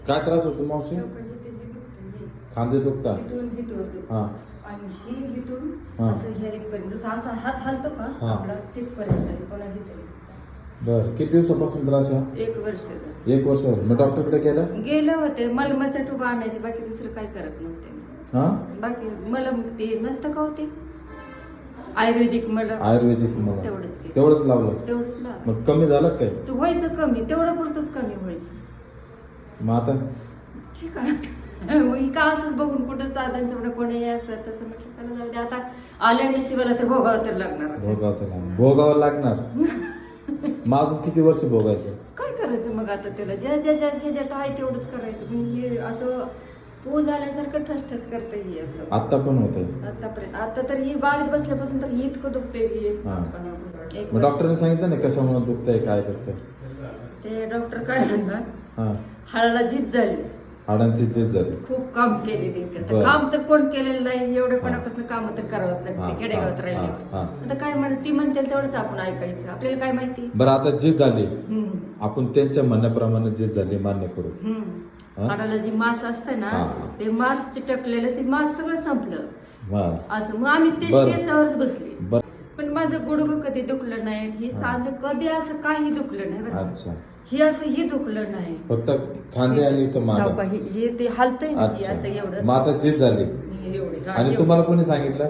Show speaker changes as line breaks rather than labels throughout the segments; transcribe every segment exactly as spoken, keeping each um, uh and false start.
काय त्रास होतो मावशी? खांदे दुखता हा
आणि ही हिथून
हा.
असं ह्या इथपर्यंत जसं असा हात हलतो का
हा.
आपला तिथपर्यंत कोणा हिथून
बर किती दिवसापासून त्रास आहे?
एक वर्ष झालं.
एक वर्ष झालं. मग डॉक्टरकडे गेलं?
गेले होते मलमाचा टुबा आणायचे बाकी दुसरं काय करत नव्हते मी.
हा
बाकी मलम ते नसतं का होते आयुर्वेदिक मलम
आयुर्वेदिक मला
तेवढंच केलं.
तेवढंच लावलं.
तेवढंच लावलं.
मग कमी झालं काय?
तर व्हायचं कमी तेवढं पुरतच कमी व्हायचं.
मग आता
ठीक आहे मग ही का असंच बघून कुठं चालताना म्हणा कोणी असं तसं म्हटलं चला जाऊ दे आता आल्या नशिबाला तर भोगावं तर लागणार
भोगावं तर लागणार. भोगावं लागणार. मग अजून किती वर्ष भोगायचं?
काय करायचं मग आता त्याला ज्या ज्या ज्या ह्याच्यात आहे तेवढंच करायचं. पण हे असं पो झाल्यासारखं ठसठस करतं ही असं
आता पण होत आहे.
आतापर्यंत आता तर ही गाडीत बसल्यापासून तर ही इतकं दुखतंय की एक
हा.
एक
मग
वर्ष.
डॉक्टरने सांगितलं नाही कशामुळे दुखतंय काय दुखतंय?
ते डॉक्टर काय म्हणणार
हा
हाडाला झीज झाली
हाडांची झीज झाली.
खूप काम केलेली
बरं.
आता काम तर कोण केलेलं नाही एवढेपणापासून काम तर करावंच
हा,
लागते खेडेगावात
हा,
राहिले
हा.
आता काय म्हण ती म्हणते तेवढंच आपण ऐकायचं आपल्याला काय माहिती.
बरं आता झीज झाली
हम्म.
आपण त्यांच्या म्हणण्याप्रमाणे झीज झाली मान्य करू.
हम्म.
हा?
हाडाला जी मांस असतं ना
हा.
ते मांस चिटकलेलं ते मांस सगळं संपलं
हा
असं मग आम्ही ते
बरं.
त्याच्यावरच बसले.
बरं
पण माझं गुडघं कधी दुखलं नाही ही सांध कधी असं काही दुखलं नाही बरं का.
अच्छा
हे असं ही दुखलं नाही
फक्त खांदे आणि इथं
हो
मांडा.
का, हे हे ते हलतंय ना हे असं
अच्छा
एवढं
मग आता झीज झाली
हे एवढं हा,
आणि
एवढं.
तुम्हाला कोणी सांगितलं?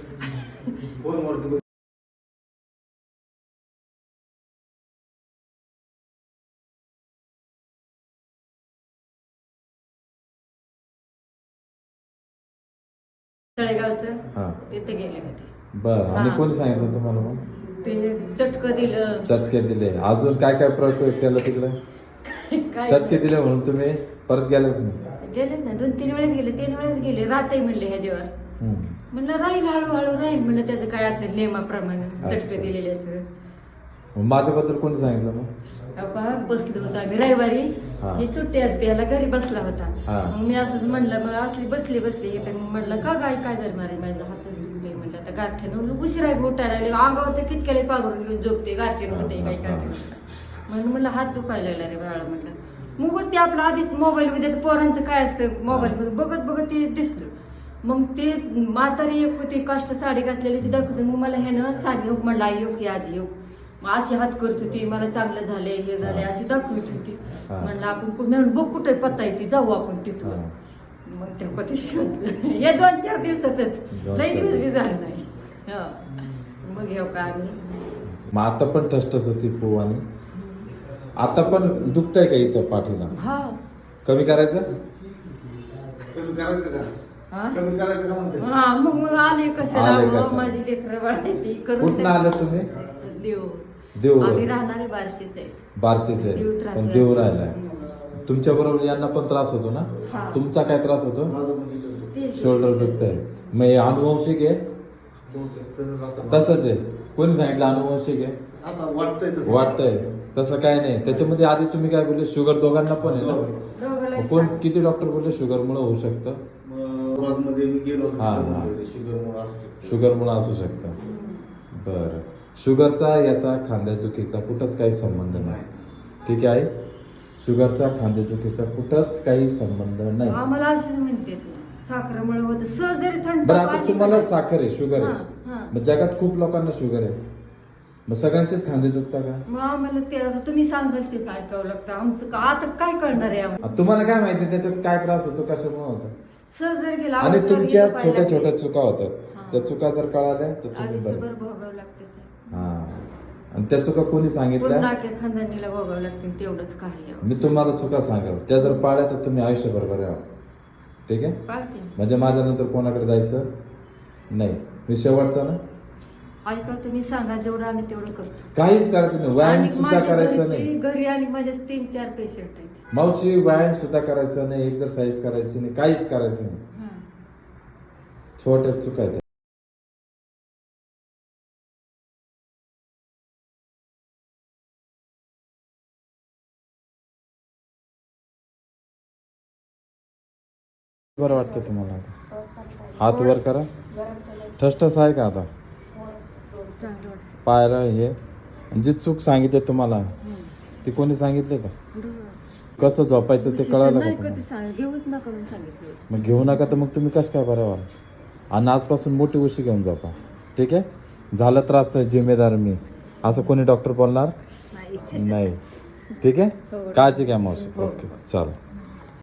तळेगावचं
हा
तिथे गेले होते.
बरं आणि
हा.
कोणी सांगितलं तुम्हाला मग?
ते चटकं दिलं
चटके दिले अजून काय काय प्रयोग केला तिकडे?
काय
चटके दिले म्हणून तुम्ही परत गेलेच नाही?
गेलेच ना दोन तीन वेळेस गेले तीन वेळेस गेले राहते म्हणले ह्याच्यावर
हम्म.
म्हणलं राहील हळूहळू राहील म्हणलं त्याचं काय असेल नियमाप्रमाणे
अच्छा.
चटकं दिलेल्याचं.
मग माझ्याबद्दल कोणी सांगितलं मग?
अहो का, बसलो होतो आम्ही रविवारी
हा.
ही सुट्टी असते याला घरी बसला होता.
हा.
मग मी असं म्हणलं मग असली बसली बसली तर मग म्हणलं का काय काय झालं मारे माझा हात दुखले म्हणलं आता गारठ्यानं उशिरा उठायला लागले अंगावर तर कितक्याला पाघरून घेऊन झोपते गारठ्यानं होते काय गारठ्यानं म्हणून म्हणलं हात दुखायला लागला रे बाळा म्हणलं. मग ते आपलं आधीच मोबाईल मध्ये पोरांचं काय असतं मोबाईल मध्ये बघत बघत ते दिसलं. मग ते म्हातारी एक होती काष्ट साडी घातलेली ती दाखवते मग मला ह्यानं सांग योग म्हणलं आई योग की आजी योग मग अशी हात करत होती मला चांगलं झालंय हे झालंय अशी दाखवत होती.
हा.
म्हणलं आपण कुठे बघ कुठे पत्ता येते जाऊ आपण तिथून.
हा.
मग ते कधी शोधलं हे दोन चार दिवसातच
दोन
लई
चार
दिवस बी झालं नाही. हा. मग घेऊ का आम्ही
मग आता पण ठसठस होती पो आणि आता पण दुखतंय का इथं पाठीला?
हा
कमी करायचं?
कमी करायचं का?
हा?
कमी करायचं का म्हणते?
हा मग मग आले कसं
आले
राहावं
कशाला?
माझी लेकरं बाळायची करून
कुठनं आले तुम्ही?
देव
देव
आम्ही राहणारे बारशीच आहेत.
बारशीचे
देऊत राहते.
पण देव राहिलाय. तुमच्या बरोबर यांना पण त्रास होतो ना?
हा.
तुमचा काय त्रास होतो?
माझं पण इथं
ते-
शोल्डर दुखतंय. मग हे अनुवंशिक आहे?
बहुतेक तसंच असं-
तसंच आहे. कोणी सांगितलं अनुवंशिक आहे?
असं वाटतंय तसं.
वाटतंय तसं काय नाही. त्याच्यामध्ये आधी तुम्ही काय बोलले शुगर दोघांना पण आहे ना?
दोघाला
मग कोण किती डॉक्टर बोलले शुगरमुळे होऊ शकतं?
मग औरंगाबादमध्ये मी गेलो होतो,
हा,
तिथं
हा.
बोलले, शुगरमुळं असू शकतं.
शुगरमुळे असू शकतं. बरं शुगरचा याचा खांद्यादुखीचा कुठंच काही संबंध नाही. ठीक आहे. शुगरचा खांद्यादुखीचा कुठंच काही संबंध नाही.
आम्हाला असंच म्हणते साखरेमुळे होतं सहज जरी थंड
बरं आता
पाणी
तुम्हाला
पिलं-
साखर आहे शुगर
हा,
आहे
हा.
मग जगात खूप लोकांना शुगर आहे मग सगळ्यांचेच खांदे दुखता का?
मग आम्हाला ते आता तुम्ही सांगाल तेच ऐकावं लागतं आमचं का आता काय कळणार आहे आम्हाला
आता तुम्हाला काय माहिती त्याच्यात काय त्रास होतो कशामुळे होतो?
सहज जर गेला
आणि
आवाज जर
तुमच्या
गेला
छोट्या
पाहिला
छोट्या चुका होतात
हा.
त्या चुका जर कळाल्या तर तुम्ही
आयुष्यभर
बरे.
भोगावं लागते ते.
हा आणि त्या चुका कोणी सांगितल्या?
पूर्ण नाक्या खानदानीला भोगावं लागते तेवढंच काही आहे.
मी तुम्हाला चुका सांगाल त्या जर पाळल्या तर तुम्ही आयुष्यभर बरे आहात. ठीक आहे.
पाळते
म्हणजे माझ्यानंतर कोणाकडे जायचं नाही. मी शेवटचा ना
ऐका तुम्ही सांगा जेवढं आम्ही तेवढं करतो.
काहीच करायचं नाही. व्यायाम
आणि
सुद्धा
माझ्या
करायचं
घरची-
नाही.
घरी आणि माझ्या तीन चार पेशंट आहेत.
मावशी व्यायाम सुद्धा करायचा नाही एक्सरसाइज करायची नाही काहीच करायचं नाही.
हा.
छोट्या चुका आहेत. बरं वाटतं तुम्हाला आता? हात वर करा. ठसठस आहे का आता?
चांगलं वाटतं.
पायरा हे जी चूक सांगितली तुम्हाला ती कोणी सांगितले का?
बरं.
कसं झोपायचं ते कळालं का
नाही
तुम्हाला?
कधी सांग घेऊच नका म्हणून सांगितलं होतं.
मग घेऊ नका तर मग तुम्ही कसं काय बरं व्हाल? आणि आजपासून मोठी उशी घेऊन झोपा, ठीक आहे? झालं त्रास तर जिम्मेदार मी, असं कोणी डॉक्टर बोलणार
नाही
नाही, ठीक आहे?
हो.
काळजी घ्या मावशी. ओके, चालेल.